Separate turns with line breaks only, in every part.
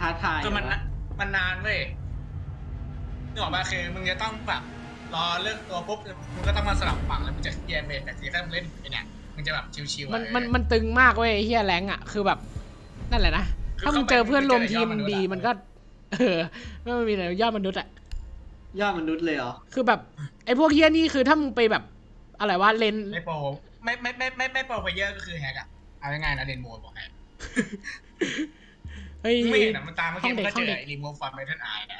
ท้าทาย
คือมันนานเว้ยนึกออกป่ะคือมึงจะต้องแบบรอเลือกตัวปุ๊บมึงก็ต้องมาสลับฝั่งแล้วมึงจะเกียร์เบรแต่ทีถ้ามึงเล่นไปเนี่ยมึงจะแบบชิวๆ
มันตึงมากเว้ยเฮียแรงอ่ะคือแบบนั่นแหละนะถ้ามึงเจอเพื่อนรวมทีมดีมันก็ไม่มีอะไรยอดมนุษย์อ่ะ
ยอดมนุษย์เลยเหรอ
คือแบบไอ้พวกเฮียนี่คือถ้ามึงไปแบบอะไรวะเลน
ไม่โปรไม่โปรไปเยอะก็คือแฮกอะเอาง่ายๆนะเล่นโหมดบอกให้
เฮ้ย
ไม่เห็นอะมันตามเมื่อกี้มันก็
ห้
เจ
องเด็
อก ไอ้รีโมฟฟันไมทันไอนะ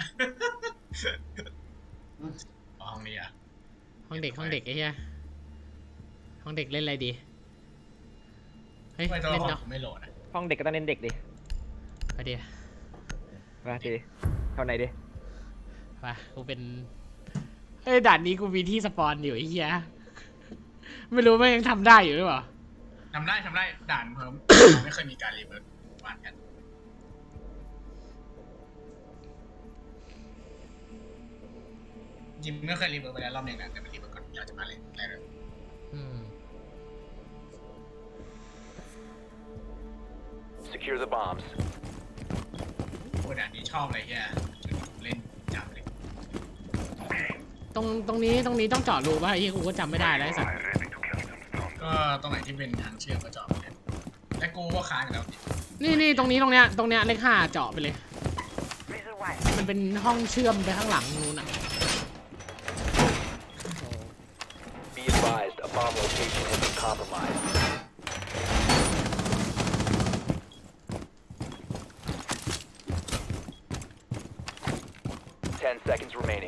ห้องนี้อะ
ห้องเด็กไอ้เฮียห้องเด็กเล่นอะไรดีเฮ้ย
ไม่ตัว
เล่น
ห้อง
เนาะ
ผมไม่โหลดอะ
ห้องเด็กก็ต้องเล่นเด็กดิ
ไปเดี๋ยว
มาทีเท่าไหนดิ
ไปกูเป็นเฮ้ยด่านนี้กูมีที่สปอนอยู่ไอ้เฮียไม่รู้ว่ายังทำได้อยู่หรือเปล่า
ทำได้ด่านเพิ่ม ไม่เคยมีการรีเวิร์สวานกันยิมไม่เคยรีเวิร์สไปแล้วรอบนึงนะแต่มันรีเวิร์สก่อนอยากจะมาเล่นอะไรเลย
อืม
Secure the bombs.
โอ้ด่านนี้ชอบอะไรเงี้ยเล่นจับเลย
ตรงนี้ต้องเจาะรูป่ะไอ้เฮียกูก็จำไม่ได้แล้วไอ้สัตว์
ก็ตรงไหนที่เป็นทางเชื่อมก็จอดไปเลยและกูก็ค้างอยู่แล้วดิ
นี่ตรงเนี้ยเลข 5เจาะไปเลย มันเป็นห้องเชื่อมไปข้างหลังนู้นอ่ะ
Be advised, a bomb location has been compromised. Ten seconds remaining.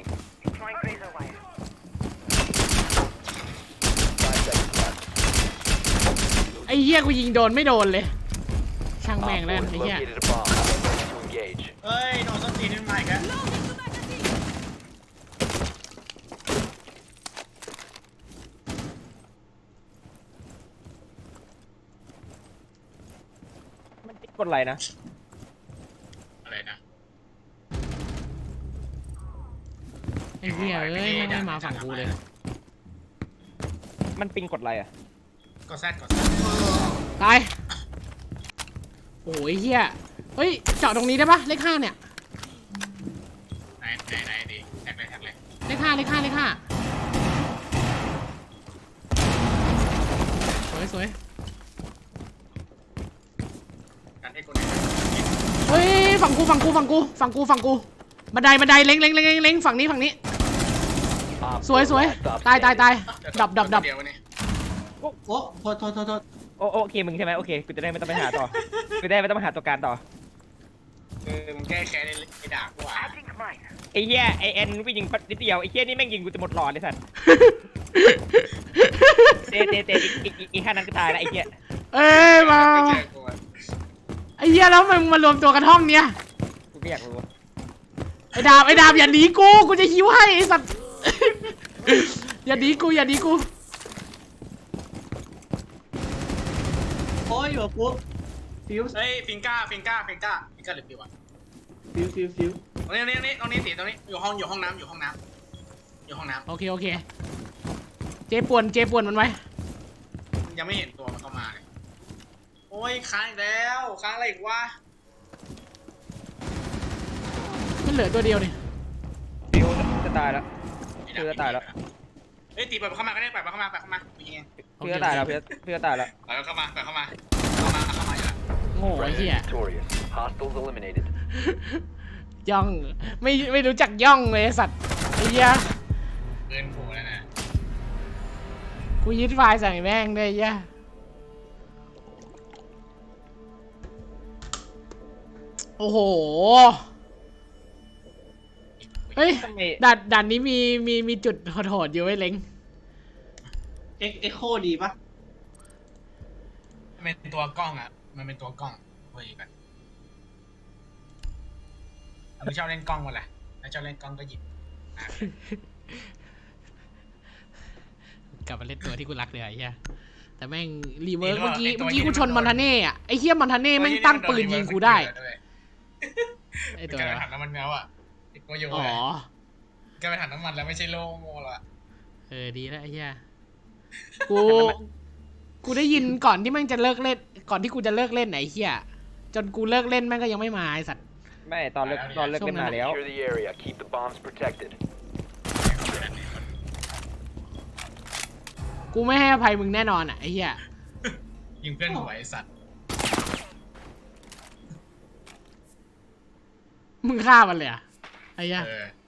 5 seconds left.
ไอ้เหี้ยกูยิงโดนไม่โดนเลย ช่างแม่ง
Op
แล้ว
4
ไอ้
has
เหี้ย
located a bomb. Ready to engage.
เอ้ยโดนส้นตีนนี่มาอีกแล้ว
มันกดอะไรนะ
อะไรนะ
ไอ้เหี้ยเอ้ยไม่มาฝั่งกูเลย
มันปิงกดอะไรอ่ะ
กดแซด
ตายโอ้ยเหี้ยเฮ้ยเจาะตรงนี้ได้ปะเลข 5เนี่ย
ไหนดีแท็กเลย
เลข 5สวย
การให้กูไหน
เฮ้ยฝั่งกูบันไดเล็งฝั่งนี้
Op
สวย
4 last stop
ตาย
standing.
ดับ
เดียวนี่
โอ้โทษ
โอเคมึงใช่ไหมโอเคกูจะได้ไม่ต้องไปหาต่อ กูได้ไม่ต้องไปหาตัวการต่อ
มึงแก้แค้นไอ้ด่ากูอ่ะ
ไอ้เหี้ยไอแอนวิ่งยิงนิดเดียวไอ้เหี้ยนี่แม่งยิงกูจะหมดหลอดเลยสัตว์เตอีกแค่นั้นก็ตายแล้วไอ้เหี้ย
เอ้ยมา
ไม่เจอกูอ่ะ
ไอ้เหี้ยแล้วมึงมารวมตัวกันห้องเนี้ย
กูก็อยากรู้
ไอ้ดาบอย่าหนีกูจะหิวให้ไอ้สัตว์ อย่าหนีกู
โอ้ยแบบปุ๊บฟิว
เฮ้ยฟิงก้าหรือฟิวอ่ะ
ฟิว
ตรงนี้ตีตรงนี้อยู่ห้องน้ำ
โอเคเจป่วนมันไว้
ยังไม่เห็นตัวมันเข้ามาเลยโอ้ยค้างอีกแล้วค้างอะไรอีกวะ
มันเหลือตัวเดียวนี่
ฟิวจะตายแล้ว เพื่อตายแล้ว
เฮ้ยตีเปิดเข้ามาก็ได้เปิดเข้ามากูยิงเอง
เพื่อตายแล้วเพื่อตายแล้ว
เปิดเข้ามาอยู่แล้ว
โง่ไอ้เหี้ย
Victorious. Hostiles eliminated.
ย่องไม่รู้จักย่องเลยไอ้สัตว์ไอ้เหี้ย
เกินโผล่แล้วนะ
กูยึดไฟล์ใส่แม่งเลยไอ้เหี้ยโอ้โหเฮ้ย
ทำไม
ด่านนี้มีจุดโหดๆอยู่ไว้เล้ง
เอ็กโคดีปะ
มันเป็นตัวกล้องอ่ะมันเป็นตัวกล้องเว้ยกันมึงชอบเล่นกล้องวะแหละถ้าชอบเล่นกล้องก็หยิบ
กลับมาเล่นตัวที่กูรักเลยไอ้เหี้ยแต่แม่งรีเวิร์สเมื่อกี้กูชนมอนทาเน่อะไอ้เหี้ยมอนทาเน่แม่งตั้งปืนยิงกูได้ไอ้
ตั
ตัว ว
ไปถังน้ำมันแล้วอ่ะติดโกโย่
อ๋อ
แกไปถังน้ำมันแล้วไม่ใช่โล่โม่แล้ว
ดีแล้วไอ้เหี้ยกูได้ยินก่อนที่แม่งจะเลิกเล่นก่อนที่กูจะเลิกเล่นไอ้เหี้ยจนกูเลิกเล่นแม่งก็ยังไม่มาไอ้สัตว์
ไม่ตอนเลิกเล่นมาแล้ว
Secure the area. Keep the bombs protected.
กูไม่ให้อภัยมึงแน่นอนอ่ะไอ้เหี้ย
ยิงเพื่อนหัวไอ้สัตว์
มึงฆ่ามันเลยอ่ะไอ้เหี้ย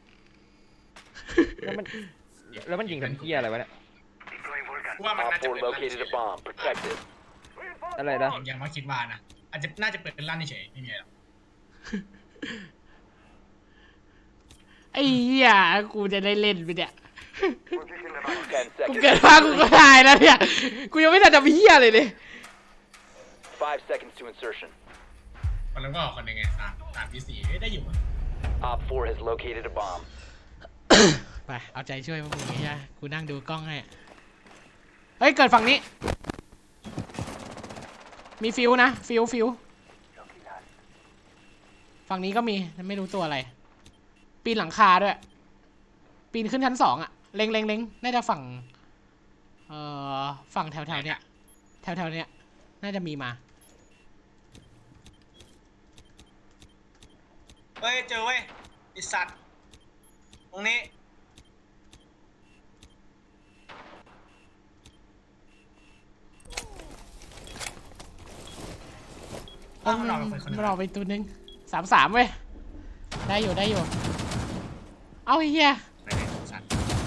แล้วมันยิงทำเหี้ยอะไรวะเนี่ย
กูว่ามัน
Op
น่าจะ
4
เป็นลั่น
located a bomb. Protected.
อะไรนะ
ยังมาคิดว่านะน่าจะเปิดเป็นลั่นเฉยไม่มีอะไรหรอก
ไอ้เหี้ยกูจะได้เล่นไปเนี่ย
10
กู
seconds.
เกิดมากูก็ตายแล้วเนี่ยกูยังไม่ทันจะมีเหี้ยเลยเลย
5 seconds to insertion.
คนแล้วก็คนหนึ่งไงตามพีซีได้อยู่
Op 4 has located a bomb.
ไปเอาใจช่วยพวกมึงไอ้เหี้ยกูนั่งดูกล้องให้เฮ้ยเกิดฝั่งนี้มีฟิวนะฟิวฝั่งนี้ก็มีไม่รู้ตัวอะไรปีนหลังคาด้วยปีนขึ้นชั้น2อ่ะเล็งน่าจะฝั่งฝั่งแถวเนี้ยแถวเนี้ยน่าจะมีมา
เฮ้ยเจอเว้ยไอสัตว์ตรงนี้
มันออกไปตัวนึง3-3เว้ยได้อยู่เอาไอ้เหี้ย
ไม่ได้สัตว์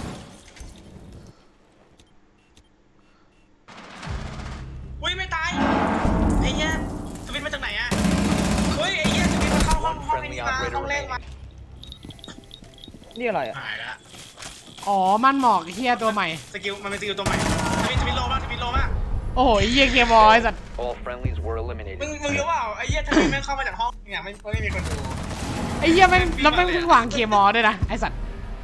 อุ้ยไม่ตายไอ้เหี้ยสวิตมาจากไหนอะเฮ้ยไอ้เหี้ยสวิตมาเข้าห้องไอ้นี่มาห้องแรกมา
นี่อะไรอ่ะ
หายแล้ว
อ๋อมันหมอกไอ้เหี้ยตัวใหม่
สกิลมันเป็นสกิลตัวใหม่สวิตโลมากสวิตโลมาก
โอ้โหไอ้เหี้ยเกียร์บอยสัตว์
All friendlies were eliminated.
มึงรู้เปล่าไอ้เหี้ยถ้าแม่งเข้ามาจากห้องเนี่ยไม่มีคนดู
ไอ้เหี้ยแม่งแล้วแม่งเพิ่งวางเกียร์มอด้วยนะไอ้สัตว์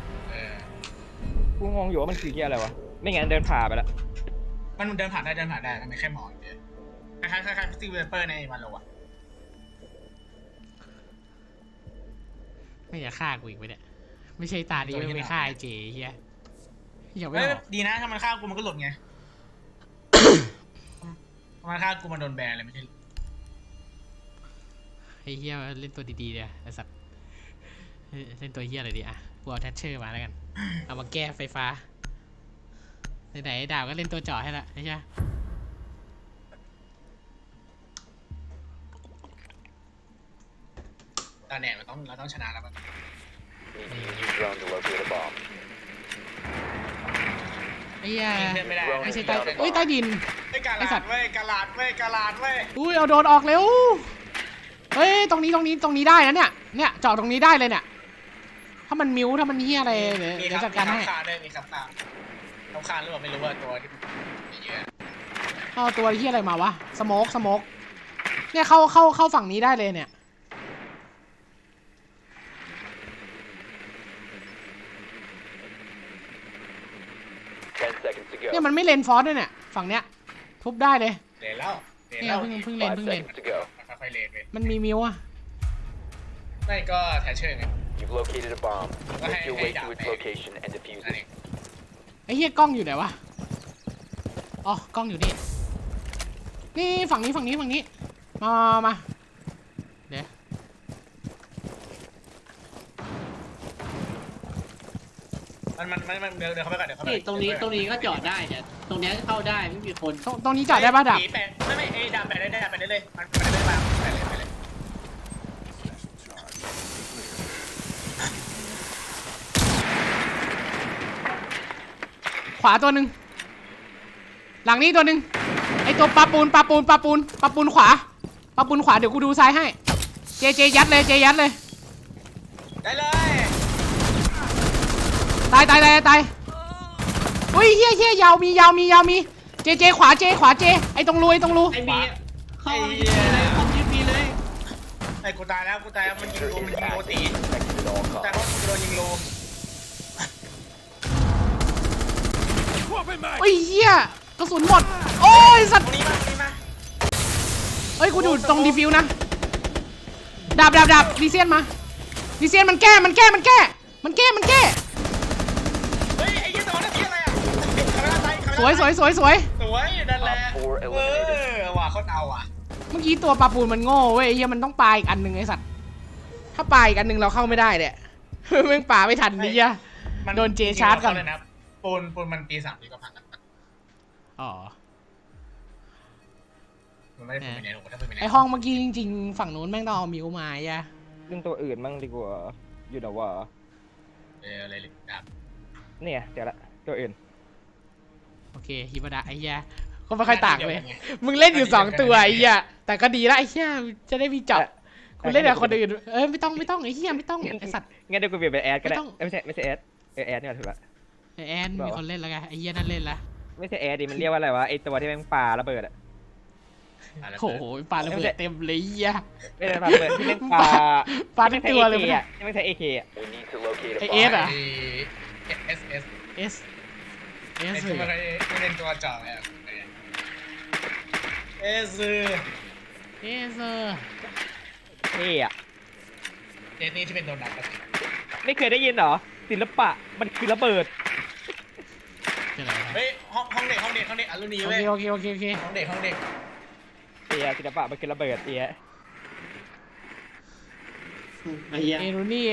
กูงงอยู่ว่ามันคือเหี้ยอะไรวะไม่งั้นเดินผ่าไปแล้ว
มันเดินผ่านได้มันไม่แค่มองเดียวคล้ายๆฟิสติเวเปอร์ในวันโลอะ
ไม่อยากฆ่ากูอีกไปเนี่ยไม่ใช่ตาดีไม่ฆ่าไอ้เจเหี้ยอย่าไม่
เฮ้ย
บอก
ดีนะถ้ามันฆ่ากูมันก็หลุดไง มันฆ่ากูมันโดนแบนเลยไม่ใช่
ไอ้เหี้ยเล่นตัวดีๆเลยไอ้สัตว์เล่นตัวเหี้ยอะไรดีอ่ะกูเอาแทชเชอร์มาแล้วกันเอามาแก้ไฟฟ้าไหนๆดาวก็เล่นตัวเจาะให้ละไอ้เหี้ย
ตาแหน่เราต้องชนะแล้ว
Need to use your drone to locate a bomb.
ไอ้เหี้ย
ไม่ได้
ไม่ใช่ใต้อุ้ยใต้ดิน
กาลาดเว้ยกาลาดเว้ย
อุ้ยเอาโดนออกเร็วเฮ้ยตรงนี้ได้นะเนี่ยเจาะตรงนี้ได้เลยเนี่ยถ้ามันมิ้วถ้ามันเหี้ยอะไรเดี๋ยวจัดการให้
มีคำคานหรือเปล่าไม่รู้ว่าตัวที่เยอะ
เอาตัวเหี้ยอะไรมาวะสโมกเนี่ยเข้าฝั่งนี้ได้เลยเนี่ย
10 seconds to
เนี่ย
go.
มันไม่เลนฟอสด้วยเนี่ยฝั่งเนี้ยทุบได้เลย
เลนแล้ว
เนี่ยเพิ่งเลน
5 seconds to go.
ค่อยๆเลนไป
มันมีมิวอะ
ไม่ก็แทชเชอร์ไง
You've located a bomb.
Hey,
Make your
hey,
way
down
to its
there.
location and defuse
นั่นเอ
it.
ง
ไอ้เหี้ยกล้องอยู่ไหนวะอ๋อกล้องอยู่นี่นี่ฝั่งนี้มาเดี๋ยว
มันเดินเข้าไปก่อนเดี๋ยวเข้าไป
นี่ตรงนี้ก็จอดได้แต่ตรงนี้เข้าได้ไม่มีคน
ตรงนี้จอดได้ป่ะดับ
ไม่ไอ้ดาบไปได้เลยมันได้มาไปเลย
ขวาตัวหนึ่งหลังนี้ตัวหนึ่งไอตัวปลาปูนขวาปลาปูนขวาเดี๋ยวกูดูซ้ายให้เจยัดเลย
ได้เลย
ตายอุ้ยเฮียยาวมีเจขวาไอตรงรู
ไอ้มีเข้ามายึดมีเลยเข้ายึดมีเลย
ไอ้กูตายแล้วมันยิงโลตี
Protected at all
แต่
costs.
เขาโดนยิงโล
อุ้ยเฮียกระสุนหมดโอ้ยสัตว์
ตรงนี้มา
เฮ้ยกูดูตรงดีฟิวนะดาบดีเซียนมันแก้
เฮ้ยไอ้ยี่ตัวนั้นที่อะไรอ่ะ
สวย
นั่นแหละว่าเขาเอาอ่ะ
เมื่อกี้ตัวปลาปูนมันโง่เว้ยไอ้เหี้ยมันต้องปลาอีกอันหนึ่งไอ้สัตว์ถ้าปลาอีกอันหนึ่งเราเข้าไม่ได้เนี่ย แม่งปลาไม่ทันนี่อะ
มัน
โดนเจชาร์จก่อน
เลยนะปูนมันตี3ทีก็พังกัน
อ๋อ
มันไม่ได้ปูนไปไหนหรอกถ้าปูนไปไหน
ไอห้องเมื่อกี้จริงๆฝั่งนู้นแม่งต้องเอามิวมาอ่ะ
เรื่องตัวอื่นมั่งดีกว่าอยู่นะว่า
อะไรเลยครับ
เนี่ยเดี๋ยวละตัวอื่น
โอเคฮิบะดะไอ้เหี้ยก็ไม่ค่อยต่างเลยมึงเล่นอยู่2ตัวไอ้เหี้ยแต่ก็ดีละไอ้เหี้ยจะได้มีเจาะคุณเล่นกับคนอื่นไม่ต้องไอ้เหี้ยไม่ต้องไอ้สัตว์
งั้นเดี๋ยวกูเปลี่ยนเป็นแอดก็ได้
ไม่ต้อง
ไม่ใช่แอดแอดนี่แหละถูกละ
ไอ้แอนมีคนเล่นแล้วไงไอ้เหี้ยนั่นเล่นละ
ไม่ใช่แอดดิมันเรียกว่าอะไรวะไอตัวที่แม่งปาระเบิดอะ
โอ้โหปลาระเบิดเต็มเลยเหี้ย
ไม่ใช่ปาระเบิดที่แม่งปา
ปลาทั้งตัวเลย
ที่ไม่ใช่ AK อะ
We need to locate a
ไอ
bomb.
เอสอะ
เอส
เอส
ไอ้ที่มันไม่เล่นตัวจ่อเนี่ยเอส
เอส
เท่อะ
เอสนี่ที่เป็นโดนัท
ไม่เคยได้ยินเหรอศิลปะมันคือระเบิด
เป็นไร
เฮ้ยห้องเด็กอลูนี
โอ
เว้ย
เคโอเค
ห้องเด็ก
เอียศิลปะมันคือระเบิดเอีย
ไอ้เหี้ย
เอรูนี่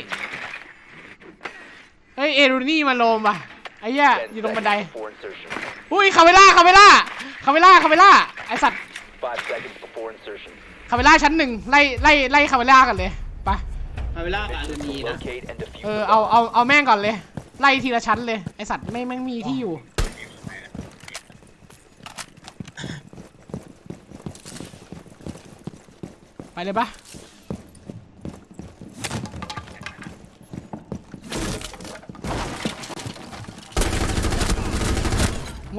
เฮ้ยเอรูนี่มาโลมว่ะไอ้เหี้ย
10
อยู่ตรงบันได
seconds before insertion.
อุ้ยคาเวล่าไอสัตว์
5 seconds before insertion.
คาเวล่าชั้น1ไล่คาเวล่ากันเลยไป
เอาเวลากับอารูนีนะ
Locate and defuse
เออ
the
เอา
bomb.
แม่งก่อนเลยไล่ทีละชั้นเลยไอสัตว์แม่งมีที่อยู่ไปเลยปะโง่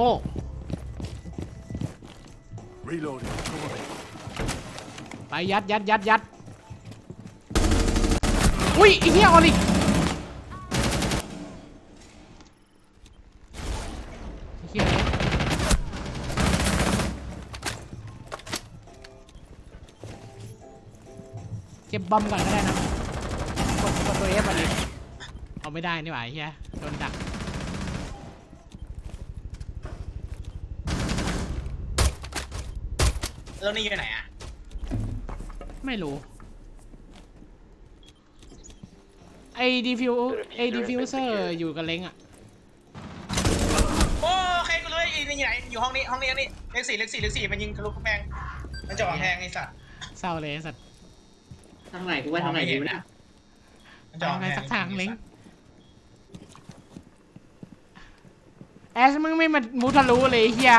Reloading. Cover me.
ไปยัดอุ้ยไอ้เหี้ยออลิกไอ้เหี้ยเก็บบอมก่อนก็ได้นะกดตัวเอฟอลิกเอาไม่ได้นี่หว่าไอ้เหี้ยโดนดัก
แล้วนี่อยู่ไหนอ่ะ
ไม่รู้ไอ้ดีฟิวเซอร์อยู่กับเล้งอะ
โอเคกูเลยนี่อยู่ไหนอยู่ห้องนี้เลขสี่มันยิงทะลุกำแพงมันจ่อแพงไอ้สัตว์
เศร้าเลยไอ้สัตว์
ทางไหนกูว่าทางไหนดีวะเนี่ย
มันจ่อ
ทำ
แพ
ไง
ง
สักทางเล้งแอชมึงไม่มามุทะลุเลยไอ้เฮีย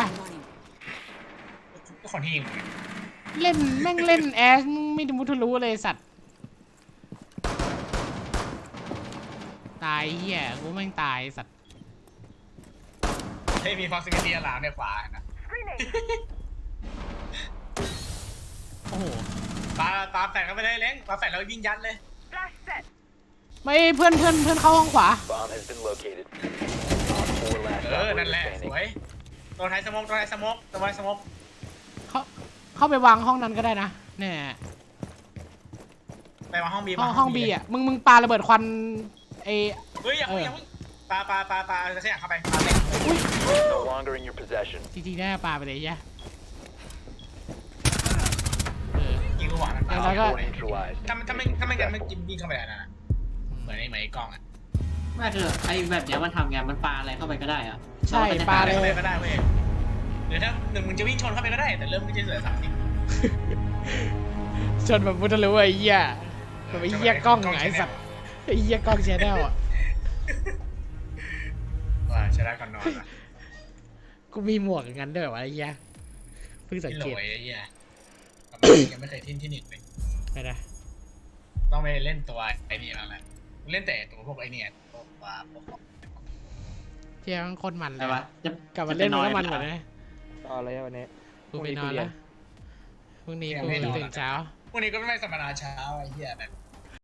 ทุกคนที่ยิง
เล่นแม่งเล่นแอชมึงไม่มุทะลุเลยสัตว์ตายเฮียกูแม่งตายสัตว์
เฮ้ยมีฟ็อกซิมิตี้หลังในขวานะ
โอ้โห
ปาแฝดเข้าไปเลยเล้งปาแฝดแล้วยิงยัดเลย
ไม่เพื่อนเข้าห้องขวา
Bomb has been located. Op 4 last
นั่น
operator
แหละส
standing.
วยตัวไทยสมก
เข้าไปวางห้องนั้นก็ได้นะเนี่ย
ไปมาห้องบี
ห้องบีอ่ะมึงปาระเบิดควันไอ
เฮ้ยอย่าเพิ่งปาจะขยับเข้าไปปาเลย
No longer in your possession.
จริงๆได้ปาไปเลยยะ
ยิงลูกหวานมัน
แล้วก็
Neutralized.
ถ้าไม่กันมันกินยิงเข้าไปนะเหมือนไอ้กล้องอ่ะ
ไม่คือไอ้แบบเนี้ยมันทำไงมันปาอะไรเข้าไปก็ได้อะ
ใช่ปา
เข้าไปก็ได้เว้ยหรือถ้ามึงจะวิ่งชนเข้าไปก็ได้แต่เริ่มไม่ใช่เหลือ30
ชนแบบมุทะลุไอ้เหี้ยแบบไอ้เหี้ยกล้องไอ้สัตว์ไอ้เหี้ยกล้องแชนแนลอ่ะ
ว่าใช้ได้ก่อนนอนอ่ะ
กูมีหมวกอย่างนั้นด้วยวะไอ้เหี้ยเพิ่งสัง
ที่
เก
โหล
ต
ยไอ้เหี้ยยังไม่เคยทิ้งที่หนึ่งเลย
ไปนะ
ต้องไปเล่นตัวไอ้นี่แล้วแหละเล่นแต่ตัวพวกไอ้เนี่ยพวกของ
เที่ยงโคนมันเล
แต่
ย
ว่าจะ
กลับมาเล่นมันก็มันกว่านะ
ต่ออะไรวันนี้
กูไปนอนแล้วพรุ่งนี้กูตื่นเช้า
พวกนี้ก็ไม่สมนาเช้าไอ้เหี้ยแบบ